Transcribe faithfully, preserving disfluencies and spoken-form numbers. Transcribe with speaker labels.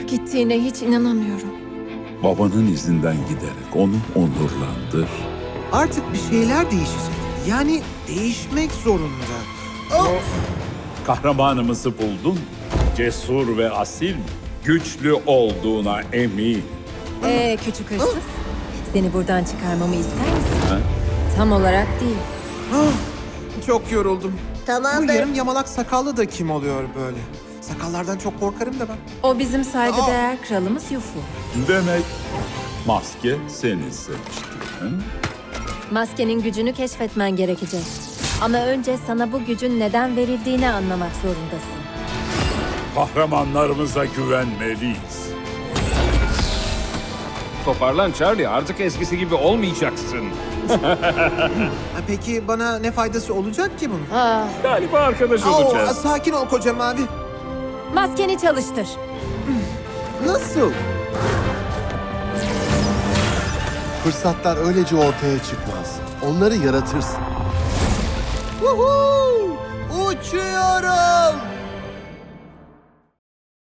Speaker 1: gittiğine hiç inanamıyorum.
Speaker 2: Babanın izinden giderek onu onurlandır.
Speaker 3: Artık bir şeyler değişecek. Yani değişmek zorunda. Oh!
Speaker 2: Kahramanımızı buldun. Cesur ve asil, güçlü olduğuna emin.
Speaker 1: Ee küçük hırsız, seni buradan çıkarmamı ister misin?
Speaker 2: Ha?
Speaker 1: Tam olarak değil.
Speaker 3: Ah, çok yoruldum. Bu
Speaker 4: Tamamdır.
Speaker 3: yarım yamalak sakallı da kim oluyor böyle? Sakallardan çok korkarım da ben.
Speaker 1: O bizim saygıdeğer kralımız Yufu.
Speaker 2: Demek maske seni seçti. Hı?
Speaker 1: Maskenin gücünü keşfetmen gerekecek. Ama önce sana bu gücün neden verildiğini anlamak zorundasın.
Speaker 2: Kahramanlarımıza güvenmeliyiz.
Speaker 5: Toparlan Charlie, artık eskisi gibi olmayacaksın.
Speaker 3: Ha, peki bana ne faydası olacak ki bunun?
Speaker 1: Ah,
Speaker 5: Galiba arkadaş
Speaker 3: Oo,
Speaker 5: olacağız.
Speaker 3: sakin ol koca mavi.
Speaker 1: maskeni çalıştır.
Speaker 3: Nasıl?
Speaker 6: Fırsatlar öylece ortaya çıkmaz. Onları yaratırsın.
Speaker 3: Woohoo! Uçuyorum!